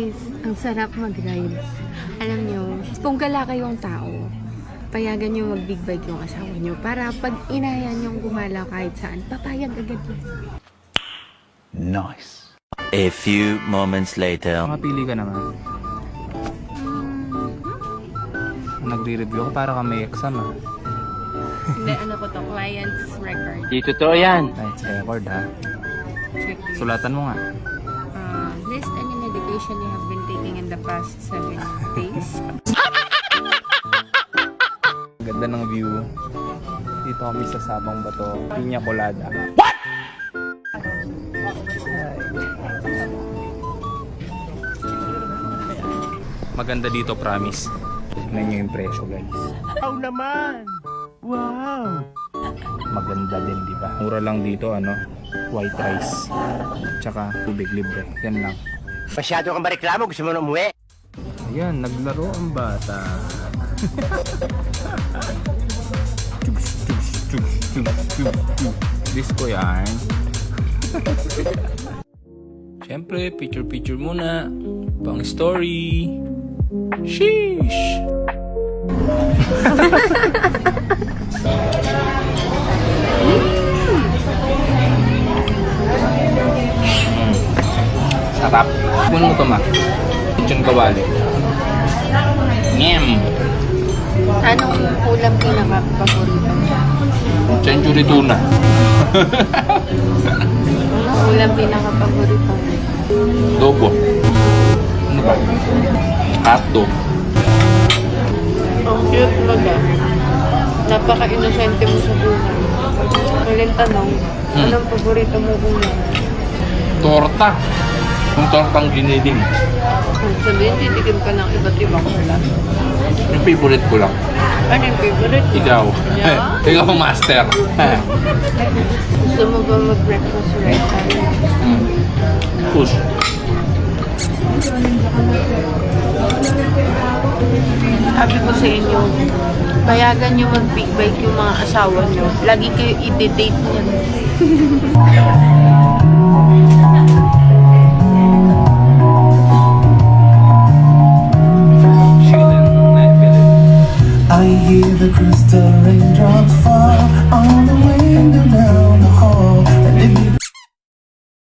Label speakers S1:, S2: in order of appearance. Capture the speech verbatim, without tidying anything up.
S1: Guys, ang sarap mag-rides. Alam nyo, kung gala kayong tao, payagan nyo mag-big bike yung asawa nyo para pag inayan yung gumala kahit saan, papayag agad yun.
S2: Nice.
S3: A few moments later.
S4: Makapili ka naman. Nagre-review ako para ka may exam ah.
S1: Hindi, ano ko to, client's record.
S3: Di totoo yan.
S4: Nice record ha.
S1: Checklist.
S4: Sulatan mo nga.
S1: Uh, list any medication you have been taking in the past seven days.
S4: Ganda ng view. Dito kami sa Sabang Bato. Piña Colada. What? Maganda dito, promise. Tignan nyo yung presyo, guys.
S2: Wow naman! Wow!
S4: Maganda din, di ba? Mura lang dito, ano? White rice. Tsaka tubig libre. Yan lang.
S2: Masyado kang mareklamo, gusto mo na umuwi?
S4: Ayan, naglaro ang bata. Disco yan. Siyempre, picture-picture muna. Pang story. Sheesh! Sarap. Kunin mo to, ma. Lechon kawali. Ngem!
S1: Anong ulam pinaka-paborito mo?
S4: Century tuna.
S1: Anong ulam pinaka-paborito mo?
S4: Dobo. Ano ba? Hotdog.
S1: Ang cute baga. Napaka-inosente mo sa buhay. Kaling tanong,
S4: Hmm.
S1: anong paborito mo ulam?
S4: Torta. Yung tortang giniling.
S1: Kung sabihin, titikim ka ng iba't ibang ulam.
S4: Yung favorite ko lang.
S1: Ano yung favorite mo?
S4: Ikaw.
S1: Yeah?
S4: Ikaw ang master.
S1: Gusto mo ba mag-breakfast right time?
S4: Hmm. Push.
S1: Sabi ko sa inyo, payagan nyo mag-big bike yung mga asawa nyo. Lagi kayo i-date niyan.
S5: I hear the crystal